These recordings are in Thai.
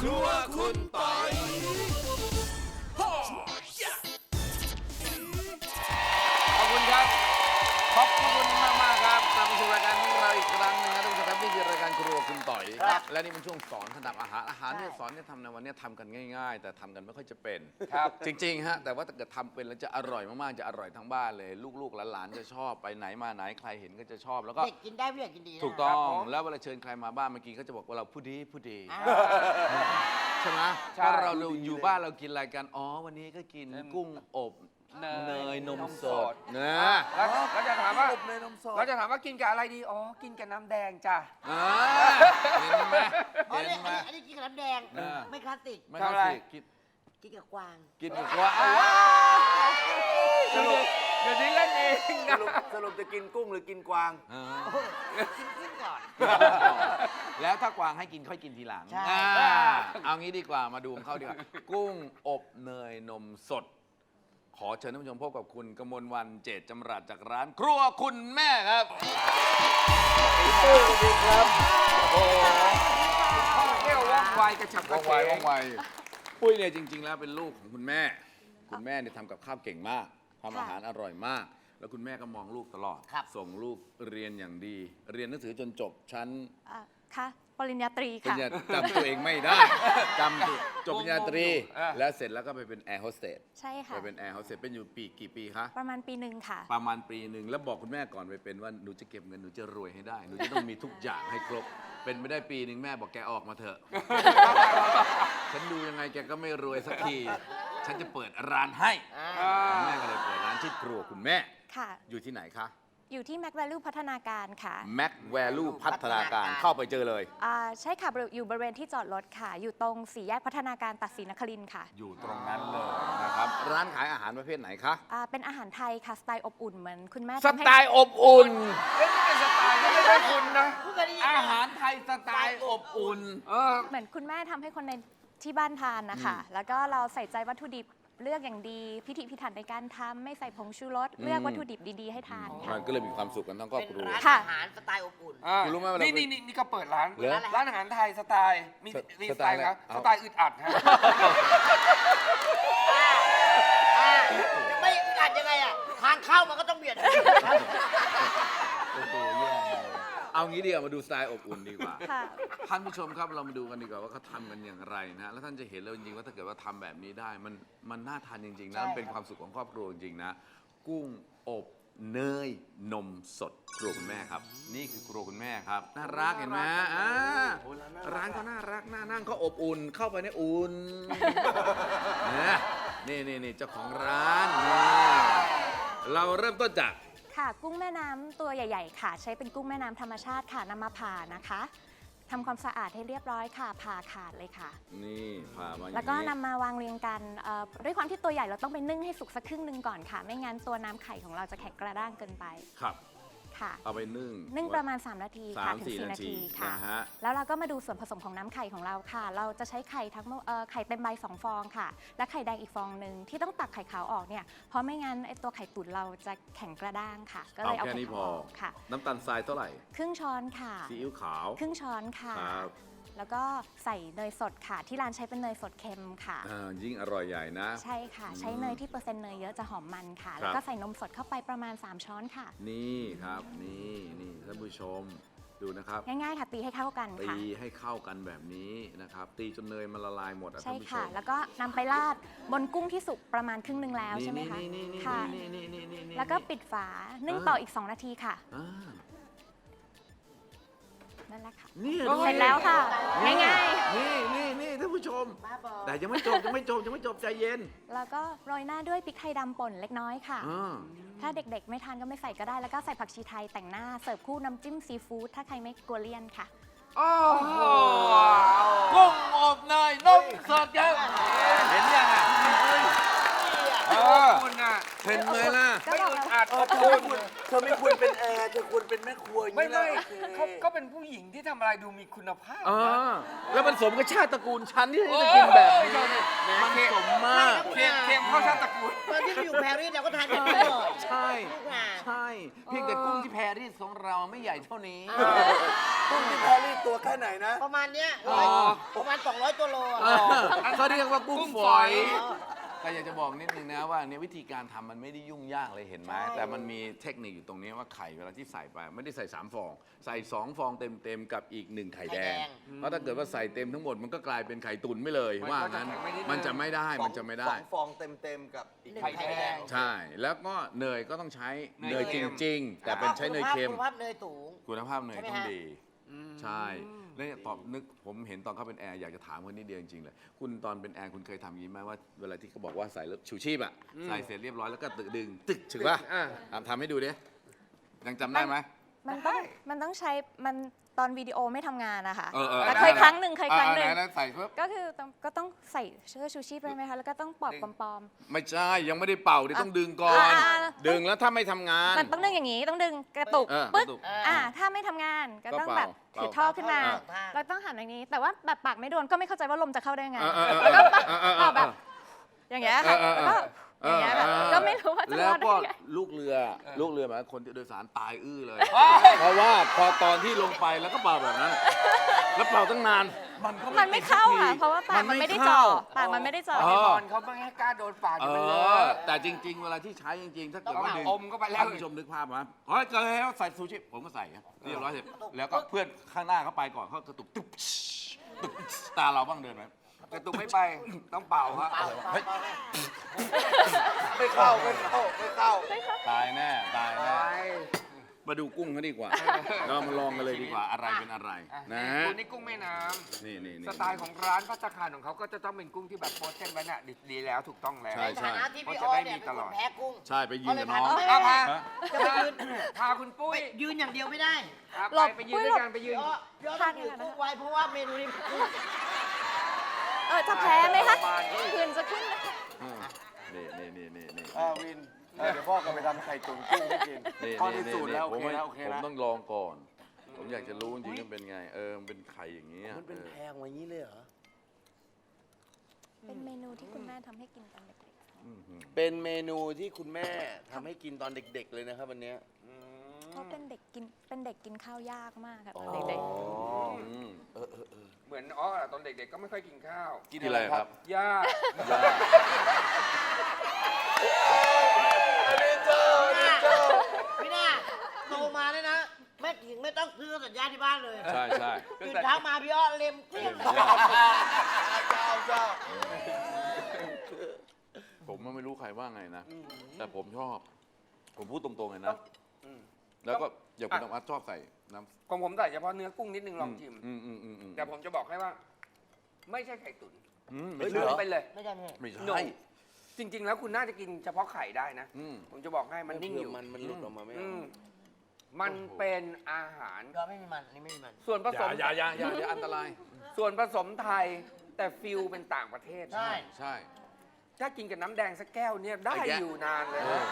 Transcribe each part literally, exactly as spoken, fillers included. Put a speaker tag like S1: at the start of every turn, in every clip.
S1: ครัวคุณปอยขอบคุณครับขอบคุณมากมากครับกลับมาสู่รายการของเราอีกครั้งหนึงนะทุกท่านครับนี่คือรายการครัวคุณต่อยและนี่เป็นช่วงสอนทำอาหารอาหารเนี่ยสอนเนี่ยทำในวันนี้ทำกันง่ายๆ แต่ทำกันไม่ค่อยจะเป็นครับจริงๆฮะแต่ว่าถ้าเกิดทำเป็นแล้วจะอร่อยมากๆจะอร่อยทั้งบ้านเลยลูกๆหลานๆจะชอบไปไหนมาไหนใครเห็นก็จะชอบแล้วก็
S2: เด็กกินได้ผู้ใหญ่กินดีนะ
S1: ถูกต้องแล้วเวลาเชิญใครมาบ้านเมื่อกี้เขาจะบอกว่าเราพูดดีพูดดีใช่ไหมถ้าเราอยู่บ้านเรากินอะไรกันอ๋อวันนี้ก็กินกุ้งอบเนยนมสดนะ
S3: แล้วเราจะถามว่า
S1: อบเนยนมสด
S3: เราจะถามว่ากินกับอะไรดีอ๋อกินกับน้ำแดงจ้ะ
S1: อ่าเห็นไหม
S2: อ๋อ
S1: เห็
S2: เนี่
S1: น
S2: ย
S1: ไหม
S2: อันนี้อันนี้กินกับน้ำแดง
S1: เออ
S2: ไม่คลาสสิก
S1: ไม่เข้าสิกิน
S2: กินกับกวาง
S1: กินกับว่า
S3: สรุปเดี๋ยวนี้เล่นเองนะ
S4: สรุปจะกินกุ้งหรือกินกวาง
S1: อ่า
S2: กินกุ้งก่อน
S1: แล้วถ้ากวางให้กินค่อยกินทีหลัง
S2: ใช่
S1: อ่าเอางี้ดีกว่ามาดูของเขาดีกว่ากุ้งอบเนยนมสด ขอเชิญท่านผู้ชมพบกับคุณกมลวันเจตจำรัดจากร้านครัวคุณแม่ครับสวัสดีครับโอ้
S3: ท่องเที่ยวว่องไวกระฉับก
S1: ว่
S3: ระ
S1: อง
S3: เฉ
S1: ไว
S3: ง
S1: ว่องไวปุ้ยเนี่ยจริง ๆ แล้วเป็นลูกของคุณแม่ คุณแม่เนี่ยทำกับข้าวเก่งมากทำอาหารอร่อยมาก แล้วคุณแม่ก็มองลูกตลอด ส่งลูกเรียนอย่างดี เรียนหนังสือจนจบชั้น
S5: อ่ะค่ะปริญญาตรี
S1: ปริ
S5: ค่ะ
S1: ญญาจำตัวเองไม่ได้จำตัวจบปริญญาตรี แล้วเสร็จแล้วก็ไปเป็นแอร์โฮสเตส
S5: ใช่ค่ะ
S1: ไปเป็นแอร์โฮสเตสเป็นอยู่ปีกี่ปีคะ
S5: ประมาณปีหนึ่งค่ะ
S1: ประมาณปีหนึ่งแล้วบอกคุณแม่ก่อนไปเป็นว่าหนูจะเก็บเงินหนูจะรวยให้ได้หนูจะต้องมีทุกอย่างให้ครบ เป็นไม่ได้ปีหนึ่งแม่บอกแกออกมาเถอะ ฉันดูยังไงแกก็ไม่รวยสักที ฉันจะเปิดร้านให้แม่ก็เลยเปิดร้านที่ครัวคุณแม่
S5: ค่ะ
S1: อยู่ที่ไหนคะ
S5: อยู่ที่ Mac Value พัฒนาการค่ะ
S1: Mac Value พัฒนาการเข้าไปเจอเลย
S5: อ่าใช่ค่ะบริอยู่บริเวณที่จอดรถค่ะ อยู่ตรงสี่แยกพัฒนาการตัดศรีนครินทร์ค่ะ
S1: อยู่ตรงนั้นเลยนะครับร้านขายอาหารประเภทไหนคะ
S5: อ่าเป็นอาหารไทยค่ะ สไตล์อบอุ่นเหมือนคุณแม่
S1: ส
S5: ทำให้
S1: ไตล์อบอุ่น
S3: เล่นเป็นสไตล์ไม่ใช่คุณนะ
S2: ผู้เคยได้ยิน
S1: อาหารไทยสไตล์อบอุ่น
S3: เออ
S5: เหมือนคุณแม่ทำให้คนในที่บ้านทานนะคะ แล้วก็เราใส่ใจวัตถุดิบเลือกอย่างดี พิถีพิถันในการทำไม่ใส่ผงชูรส เลือกวัตถุดิบดีๆให้ทานค่ะ
S1: มันก็เลยมีความสุขกันทั้งครอบ
S2: เป็น
S1: ครัว
S2: ร้าน
S5: ค่ะ
S2: อาหารสไตล์อบอุ่น
S3: อ่า
S1: คุณรู้ไหมว่าเรา
S3: นี่นี่นี่นี่ก็เปิดร้าน
S1: เหรอ
S3: ร้านอาหารไทยสไตล์ มี
S1: ส
S3: มี
S1: ส
S3: ส
S1: ไต
S3: ไต
S1: ล์
S3: ล์
S1: อะไร
S3: ครับ
S1: เอา
S3: สไตล์อึดอัดฮะ
S2: อ่าจะไม่อึดอัดยังไงอ่ะ ทางเข้ามันก็ต้องเบียด
S1: โอ้โหแย่เลยเอางี้ดีกว่ามาดูสไตล์อบอุ่นดีกว่า
S5: ค่ะ
S1: ท่านผู้ชมครับเรามาดูกันดีกว่าว่าเขาทำกันอย่างไรนะแล้วท่านจะเห็นเลยจริงๆว่าถ้าเกิดว่าทำแบบนี้ได้ มันมันน่าทานจริงๆนะมันเป็นความสุขของครอบครัวจริงๆนะ กุ้งอบเนยนมสดครัวคุณแม่ครับ นี่คือครัวคุณแม่ครับน่ารักเห็นไหมอ่าร้านเขาน่ารักน่านั่งเขาอบอุ่นเข้าไปในอุ่นนะนี่นี่นี่เจ้าของร้านนี่เราเริ่มต้นจาก
S5: ค่ะกุ้งแม่น้ำตัวใหญ่ ๆ ค่ะ ใช้เป็นกุ้งแม่น้ำธรรมชาติค่ะนำมาผ่านะคะทำความสะอาดให้เรียบร้อยค่ะผ่าขาดเลยค่ะ
S1: นี่พามาอย่างนี้
S5: แล้วก็นำมาวางเรียงกันเอ่อด้วยความที่ตัวใหญ่เราต้องไปนึ่งให้สุกสักครึ่งหนึ่งก่อนค่ะ ไม่งั้นตัวน้ำไข่ของเราจะแข็งกระด้างเกินไป
S1: ครับ
S5: ค่ะ
S1: เอาไปนึ่ง
S5: นึ่งประมาณ สาม นาที
S1: สา
S5: ค่ะ
S1: ม
S5: ถึง
S1: สี่
S5: สี่
S1: นา
S5: นา
S1: ที
S5: ทีค่ะ
S1: นะฮะ
S5: แล้วเราก็มาดูส่วนผสมของน้ำไข่ของเราค่ะ เราจะใช้ไข่ทั้งหมดเอ่อไข่เต็มใบสองฟองค่ะ และไข่แดงอีกฟองหนึ่งที่ต้องตักไข่ขาวออกเนี่ยเพราะไม่งั้นไอตัวไข่ตุ๋นเราจะแข็งกระด้างค่ะ ก็เลยเอา
S1: แค่
S5: ไข่
S1: นี้พ
S5: ขาว
S1: อ
S5: ออกค่ะ
S1: น้ำตาลทรายเท่าไหร่
S5: ครึ่งช้อนค่ะ
S1: ซีอิ๊วขาว
S5: ครึ่งช้อนค่ะ
S1: ครับ
S5: แล้วก็ใส่เนยสดค่ะ ที่ร้านใช้เป็นเนยสดเค็มค่ะ
S1: อ่ายิ่งอร่อยใหญ่นะ
S5: ใช่ค่ะ ใช้เนยที่เปอร์เซ็นต์เนยเยอะจะหอมมันค่ะ
S1: ครับ
S5: แล้วก็ใส่นมสดเข้าไปประมาณ สาม ช้อนค่ะ
S1: นี่ครับ นี่นี่ท่านผู้ชมดูนะครับ
S5: ง่ายๆค่ะ ตีให้เข้ากัน
S1: ตี
S5: ค่ะ
S1: ให้เข้ากันแบบนี้นะครับ ตีจนเนยมันละลายหมดอะ
S5: ใช่
S1: ท่านผู้ช
S5: ค่ะ
S1: ม
S5: แล้วก็นำไปราดบนกุ้งที่สุกประมาณครึ่งหนึ่งแล้ว
S1: นี่
S5: ใช่ไหมคะ
S1: นี่นี่นี่
S5: ค่ะ
S1: นี่นี่นี่นี่นี่
S5: แล้วก็ปิดฝา นึ่ง
S1: อ่า
S5: ต่ออีก สอง นาทีค่ะ
S1: อ่า
S5: นั่นแหละค่ะ
S1: นี่
S3: โอ้
S1: ดู
S5: เสร็จแล้วค่ะ
S1: นี่
S5: ง่าย
S1: นี่นี่นี่ท่านผู้ชม
S2: บ้าบอ
S1: แต่ยังไม่จบยังไม่จบยังไม่จบใจเย็น
S5: ๆ แล้วก็โรยหน้าด้วยพริกไทยดำป่นเล็กน้อยค่ะ
S1: อ่า
S5: ถ้าเด็กๆ ไม่ทานก็ไม่ใส่ก็ได้ แล้วก็ใส่ผักชีไทยแต่งหน้า เสิร์ฟคู่น้ำจิ้มซีฟู้ดถ้าใครไม่กลัวเลี่ยนค่ะ
S3: โอ้โห
S1: กุ้งอบเนยนมสดครับเห็นยังอ่ะ
S3: เออคุณน่ะ
S1: เห็นไหมล่ะ
S5: ก็
S3: ไม่
S5: บอก
S3: อึด
S5: แล้ว
S3: อัด
S4: เออ
S3: ขอบ
S4: เธอ
S3: คุ
S4: ไม่
S3: ณ
S4: ควรเธอไม่ควรเป็นแอร์เธอควรเป็นแม่ครัวอย่าง
S3: ไม่
S4: นี้
S3: ไม่
S4: นะโอเค
S3: เขาก็เป็นผู้หญิงที่ทำอะไรดูมีคุณภาพ
S1: อ่า
S3: นะ
S1: แล้วมันสมกับชาติตระกูลฉันที่
S3: โอ้
S1: จะ
S3: ย
S1: กินแบบนี้
S3: เจ้านี่
S1: มันสมมาก
S3: เค็มเค็มเข้าชาติตระกูล
S2: ตอนที่ไปอยู่แพรรี่เราก็ทานแบบนี้ตลอด
S1: ใช่
S2: ทุกงาน
S1: ใช่ เพียงแต่กุ้งที่แพรรี่ของเราไม่ใหญ่เท่านี้
S4: กุ้งที่แพรรี่ตัวแค่ไหนนะ
S2: ประมาณเนี้ย
S3: อ๋อ
S2: ประมาณสองร้อยตัวโลอะ
S1: เออเขาเรียกว่ากุ้ง
S3: กุ้ง
S1: ฝ
S3: ฝ
S1: อ
S3: อย ย
S1: ก็อยากจะบอกนิดนึงนะว่าเนี่ยวิธีการทำมันไม่ได้ยุ่งยากเลยเห็นไหม
S2: ใช่
S1: แต่มันมีเทคนิคอยู่ตรงนี้ว่าไข่เวลาที่ใส่ไปไม่ได้ใส่สามฟอง ใส่สองฟองเต็มๆกับอีกหนึ่งไข่แดง เพราะถ้าเกิดว่าใส่เต็มทั้งหมดมันก็กลายเป็นไข่ตุ๋นไม่เลย
S3: มัน
S1: ว่า
S3: ก็จะ
S1: งั้น
S3: แข็งไปนิดนึง
S1: มันจะไม่ได้มันจะไม่ได้
S4: สองฟองเต็มๆกับอีก
S2: หนึ่ง
S3: ไข่
S2: ไข่
S3: แด
S2: แด
S3: ง
S2: ง
S1: ใช่ แล้วก็เนยก็ต้องใช้
S3: เน
S1: เน
S3: ย
S1: ย
S3: เค็
S1: จ
S3: ม
S1: ริง ๆ แต่เป็นใช้เนยเค็ม
S2: คุณภาพเนยสูง
S1: คุณภาพเนย
S2: ใช่ไหม
S1: ต้อง
S2: ฮะ
S1: ดี ใช่ แล้วเนี่ยตอบนึกผมเห็นตอนเขาเป็นแอร์อยากจะถามคนนิดเดียวจริงๆเลยคุณตอนเป็นแอร์คุณเคยทำอย่างนี้ไหมว่าเวลาที่เขาบอกว่าใส่แล้วชูชีพอ่ะใส่เสร็จเรียบร้อยแล้วก็ตึกดึงตึกถึงป่ะ
S3: อ่ะ
S1: ทำทำให้ดูดิยังจำได้ไหม
S5: มันต้องมันต้องใช้มันตอนวิดีโอไม่ทำงานนะคะ
S1: เออเออ
S5: แต่
S1: ได้
S5: เคยครั้งหนึ่งเคยครั้งหนึ่ง
S1: อ่าไหนๆใส่ปุ๊บ
S5: ก็คือต้องก็ต้องใส่เสื้อชูชีพไปไหมคะแล้วก็ต้องปลอบปลอม
S1: ไม่ใช่ยังไม่ได้เป่าดิต้องดึงก่อน
S5: อ่า
S1: ดึงแล้วถ้าไม่ทำงาน
S5: ๆมันต้องดึงอย่างนี้ต้องดึงกระตุก
S1: เออก
S5: ปึ๊
S1: ระตุก
S5: อ่าถ้าไม่ทำงานก็
S1: ก็
S5: ต้อง
S1: เป่า
S5: แบบถือท่อขึ้นมา
S2: อ่า
S5: แล้วต้องหันอย่างนี้ แต่ว่าแบบปากไม่โดนก็ไม่เข้าใจว่าลมจะเข้าได้ยังไง
S1: เออเออเออ
S5: แล้วก็
S1: เออเออเออ
S5: เป่าแบบอย่างเงี้ยค่ะ
S1: เออเออ
S5: แล้วก็อย่างเงี้ยแบบก็ไม่รู้ว่าจะ
S1: แล้
S5: ร
S1: ว
S5: อดได้
S1: ก็
S5: ยังไง
S1: ลูกเรือลูกเรือหมายถึงคนที่โดยสารตายอื้อเลย
S3: ว้าย
S1: เพราะว่าพอตอนที่ลงไปแล้วก็เป่าแบบนั้น แล้วเป่าตั้งนาน มันก็
S5: มันไม่เข้า
S1: ติดสั
S5: ค่ะ
S1: กที
S5: เพราะว่าปากมันไม่ได้
S1: เข้
S5: จ่อปากมันไม่ได้จ่อ
S1: เอ
S3: ไอ้
S1: อ
S3: บอลเขาไม่ให้กล้าโดนปาก
S1: เอ
S3: เดี๋ยวมันเล
S1: อ
S3: อะ
S1: แต่จริง ๆ เวลาที่ใช้จริง ๆ ถ้าเกิดว่า
S3: ต้อง
S1: ดึง
S3: อมเข้าไปแล้ว
S1: ท่านผู้ชมนึกภาพมาเฮ้ยเกิดแล้วใส่ซูชิผมก็ใส่ครับเรียบร้อยเสร็จแล้วก็เพื่อนข้างหน้าเขาไปก่อนเขากระตุกตุ๊บตุ๊บตาเราบ้างเดินไหม
S3: กระตุกไม่ไปต้องเป่าฮะ
S2: เปล่าเปล่าเปล่า
S4: ไม่เข้าไม่เข้าไม่เข้า
S1: ตายแน่ตาย
S3: ไป
S1: แน่มาดูกุ้งเขาดีกว่า เรามาลองกันเลยดีกว่าอะไรเป็นอะไร
S3: อ่ะ
S1: นะ
S3: คุณนี่กุ้งแม่น้ำ
S1: นี่นี่นี่
S3: สไตล์ของร้านพัตตาคารของเขาก็จะต้องเป็นกุ้งที่แบบโพสเซนไว้น่ะดีดีแล้วถูกต้องแล้ว
S1: ใช่
S2: ในฐานะที่พี่
S3: เขา
S2: อ
S3: จะ
S2: อ
S3: ได้
S2: เนี่ย
S3: มี
S2: เป็น
S3: ต
S2: ค
S3: ลอด
S2: นแพ้กุ้ง
S1: ใช่ไปยืนกับน้อง
S2: ก็เลย
S3: เอา
S2: พา
S3: พา
S1: ฮะ
S2: จะไปยืน
S3: พาคุณปุ้ย
S2: ยืนอย่างเดียวไม่ได้
S3: อ่ะ
S5: หล
S3: ไป
S5: บ
S3: ไปยืนด้วยกันไปยื
S2: พี่
S3: น
S2: ออพี่ออต้องถือกุ้งไว้เพราะว่าเมนูนี้กุ้ง
S5: เออจะแพ้ไหมคะ
S3: ประมาณนี้
S5: คืนจะขึ้นไหม
S1: อืมนี่นี่นี่นี่นี่
S4: อ่าวินเออเดี๋ยวพ่อก็ไปทำไข่ตุ๋นกุ้งให้กิน
S1: นี่
S4: พ่อ
S1: นี่
S4: ที่สูตร
S1: นี่
S4: แล้ว
S1: ผ
S4: โอ
S1: ม
S4: เค
S1: ไม่
S4: แล้วโอเค
S1: ผม
S4: แล้ว
S1: ต้องลองก่อน ผมอยากจะรู้จริงๆมันเป็นไง เออมันเป็นไข่อย่างนี้ย
S4: มันเป็น
S1: ออ
S4: แพงอย่างนี้เลยเหรอ
S5: เป็นเมนูที่คุณแม่ทำให้กินตอนเด็ก
S1: อื้อหือ
S4: เป็นเมนูที่คุณแม่ทำให้กินตอนเด็ก ๆ เลยนะครับวันเนี้ย
S5: ๆเพราะเป็นเด็กกินเป็นเด็กกินข้าวยากมากค่ะตอนเด็ก
S1: อืม
S4: เออเออเออ
S3: เหมือนอ๋อตอนเด็กๆก็ไม่ค่อยกินข้าว
S1: กินอะไรครับ
S3: ยาก
S4: อันนี้เจออันนี้เจอ
S2: พี่น่าโตมาเนี่ยนะแม่ถึงไม่ต้องซื้อสัญญาณที่บ้านเลย
S1: ใช่ใช่
S2: ตื่นเช้ามาพี่อ้อเล็มเกลี้ยง
S4: เจ้าเจ้า
S1: ผมไม่รู้ใครว่าไงนะ แต่ผมชอบ ผมพูดตรงๆเลยนะ
S4: อืม
S1: แล้วก็อย่างคุณธรรมะชอบใส่น้ำ
S3: ของผมใส่เฉพาะเนื้อกุ้งนิดนึงลองชิม
S1: อืมอืมอืมอืม
S3: แต่ผมจะบอกให้ว่า ไม่ใช่ไข่ตุ๋น
S1: อืม
S4: เฮ้
S1: ไม่
S4: ย
S1: ใช่
S3: ลืมไปเลย
S2: ไม่ใช่ไม่ใช่
S1: ไม่
S3: หนู
S1: ใช่
S3: จริง ๆ แล้วคุณน่าจะกินเฉพาะไข่ได้นะ
S1: อืม
S3: ผมจะบอกให้มันนิ่งอยู่
S4: มันมันหลุดออกมาไม่
S3: อื
S4: เอา
S3: มมันเป็นอาหาร
S2: ก็ไม่มีมันอันนี้ไม่มีมัน
S3: ส่วนผ
S1: อ
S3: ส
S1: ย่าม อย่าอย่าอย่าอย่าอันตราย
S3: ส่วนผสมไทย แต่ฟิลเป็นต่างประเทศ
S2: ใช่
S1: ใช่
S3: ถ้ากินกับน้ำแดงสักแก้วเนี่ยได้
S1: ไอ้แกะ
S3: อยู่นานเลย
S1: เออ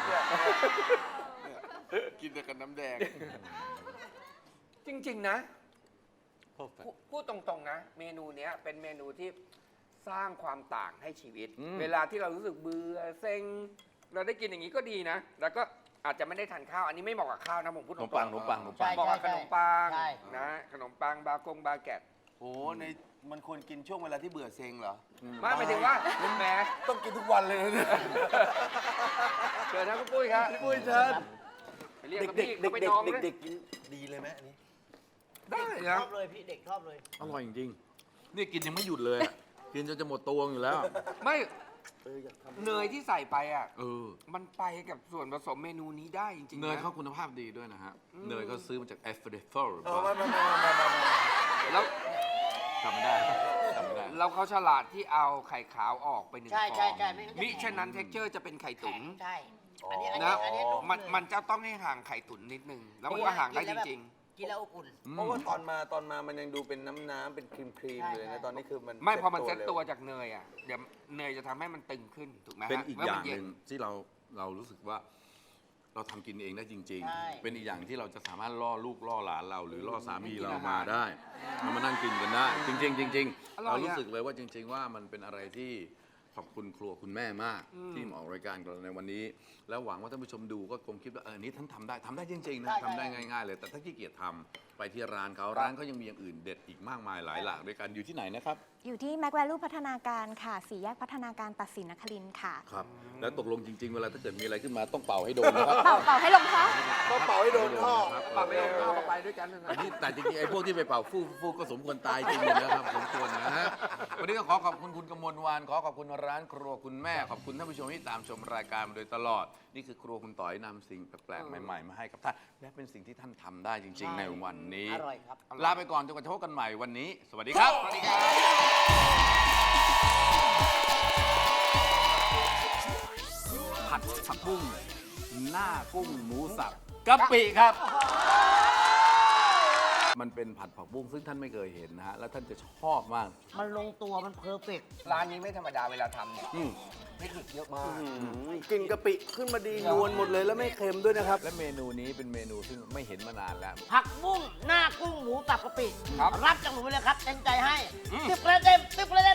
S3: นะ
S4: กินแต่กับน้ำแดง
S3: จริง ๆ นะ
S1: perfect
S3: พูพูดตรงๆนะ เมนูเนี้ยเป็นเมนูที่สร้างความต่างให้ชีวิต
S1: อืม
S3: เวลาที่เรารู้สึกเบื่อเซ็งเราได้กินอย่างนี้ก็ดีนะ แล้วก็อาจจะไม่ได้ทานข้าว อันนี้ไม่เหมาะกับข้าวนะผมพูด
S1: ข
S3: ต
S1: น
S3: ร
S1: ม
S3: งๆ
S1: ปังขนมปังขนมปัง
S2: ใช่
S3: เหมาะกับขนมปัง
S2: ใช่
S3: นะขนมปังบากงบาแกต
S4: โอ้ในมันควรกินช่วงเวลาที่เบื่อเซ็งเหรอ
S3: ไม่หมายถึงว่าคุณแม่
S4: ต้องกินทุกวันเลยนะเนี่ย
S3: เชิญนะคุณปุ้ยครับ
S4: ปุ้ยเชิญ
S3: ไปเรียก
S4: เด็ก
S3: กับ
S4: เด็ก
S3: พี่
S4: เด็ก
S3: เขาไป
S4: เด็ก
S3: น้อง
S4: เด็ก
S3: นะ
S4: เด็กกินดีเลยไหมอันนี้
S3: ได้
S2: ช
S3: นะ
S2: อบเลยพี่เด็กชอบเลย
S1: อร่อยจริงๆนี่กินยังไม่หยุดเลยอะกินจนจะหมดตัวอยู่แล้ว
S3: ไม่
S4: เอออยากทำ
S3: เนยที่ใส่ไปอ่ะ
S1: เออ
S3: มันไปกับส่วนผสมเมนูนี้ได้จริงๆ
S1: เนย
S3: นะ
S1: เขาคุณภาพดีด้วยนะฮะ เนยเขาซื้อมาจากแอฟริกา
S4: เออไม่ไม่ไม่ไม่ไม่ไม่
S3: แล้ว
S1: จำไม่ได้จำไม่ได้
S3: แล้วเขาฉลาดที่เอาไข่ขาวออกไปหนึ่งฟ
S2: ใช่
S3: อง
S2: ใช่ใช่ไม่งั้นจะ
S3: มิฉะนั้นเท็กเจอร์จะเป็นไข่
S2: แข็
S3: ตุ๋น
S2: งใช่ อันนี้อัน
S3: นะ
S2: นี้อันนี้นุ่ม
S3: มัน
S2: เลย
S3: มันจะต้องให้ห่างไข่ตุ๋นนิดนึง แล้วมันก็ห่างได้จริง
S2: กินแล้วอบอุ่น
S4: เพราะว่าตอนมาตอนมามันยังดูเป็นน้ำน้ำเป็นครีมครีม
S2: ใช่
S4: เลย
S2: ใช่
S4: นะตอนนี้คือมัน
S3: ๆ ไม่พอมันเซ็ต
S4: ร็
S3: ตัวจากเนยอ่ะเดี๋ยวเนยจะทำให้มันตึงขึ้นถูกไหมฮะ
S1: เป็นอีก
S3: มื่
S1: อย่าง
S3: มั
S1: หนึ่งที่เราเรารู้สึกว่าเราทำกินเองได้จริง
S2: ใช่
S1: ๆ เป็นอีกอย่างที่เราจะสามารถล่อลูกล่อหลานเรา หรือล่อสามีเรามาได้เรามานั่งกินกันได้ จริง ๆ จริง ๆ เรารู้สึกเลยว่าจริง ๆ ว่ามันเป็นอะไรที่ขอบคุณครัวคุณแม่มาก ที่มาออกรายการกับเราในวันนี้ แล้วหวังว่าท่านผู้ชมดูก็คงคิดว่าเออนี่ท่านทำได้ทำได้จริงๆนะทำได้ง่ายๆเลย แต่ถ้าขี้เกียจทำไปที่ร้านเขาร้านเขายังมีอย่างอื่นเด็ดอีกมากมายหลายหลากด้วยกันอยู่ที่ไหนนะครับ
S5: อยู่ที่แม็กแวลูพัฒนาการค่ะสี่แยกพัฒนาการตัดสินนครินทร์ค่ะ
S1: ครับ แล้วตกลงจริง ๆ เวลาถ้าเกิดมีอะไรขึ้นมาต้องเป่าให้โดนนะครับ
S5: เป่าเป่าให้ลงท้อง
S4: ต้องเป่าให้โดนท่อ
S1: ครับ
S3: ปรับไปเอาข้าวไปด้วยกันนะ
S1: อันนี้แต่จริงๆไอ้พวกที่ไปเป่าฟู่ฟู่ก็สมควรตายจริงๆนะครับสมควรนะฮะวันนี้ก็ขอขอบคุณคุณกมลวานขอขอบคุณร้านครัวคุณแม่ขอบคุณท่านผู้ชมที่ตามชมรายการมาโดยตลอด นี่คือครัวคุณต่อยนำสิ่งแปลกๆใหม่ๆมาให้กับท่านและเป็นสิ่งที่ท่านทำได้จริง ๆ ในวันนี้
S2: อร่อยครับ
S1: ลาไปก่อนจนกว่าจะพบกันใหม่วันนี้ สวัสดีครับ
S3: สวัสดีครับ
S1: ผัดผักบุ้งหน้ากุ้งหมูสับกะปิครับ มันเป็นผัดผักบุ้งซึ่งท่านไม่เคยเห็นนะฮะ แล้วท่านจะชอบมาก
S2: มันลงตัวมันเพอร์เฟกต์
S3: ร้านนี้ไม่ธรรมดาเวลาทำเนี่ย
S1: อืม
S3: เทคนิคเยอะมาก
S4: กลิ่นกะปิขึ้นมาดีนวลหมดเลยแล้วไม่เค็มด้วยนะครับ
S1: และเมนูนี้เป็นเมนูซึ่งไม่เห็นมานานแล้ว
S2: ผักบุ้งหน้ากุ้งหมูสับกะปิ
S3: ครับ
S2: รับจากหนูไปเลยครับเต็มใจให้สิบคะแนนเต็มสิบคะแนน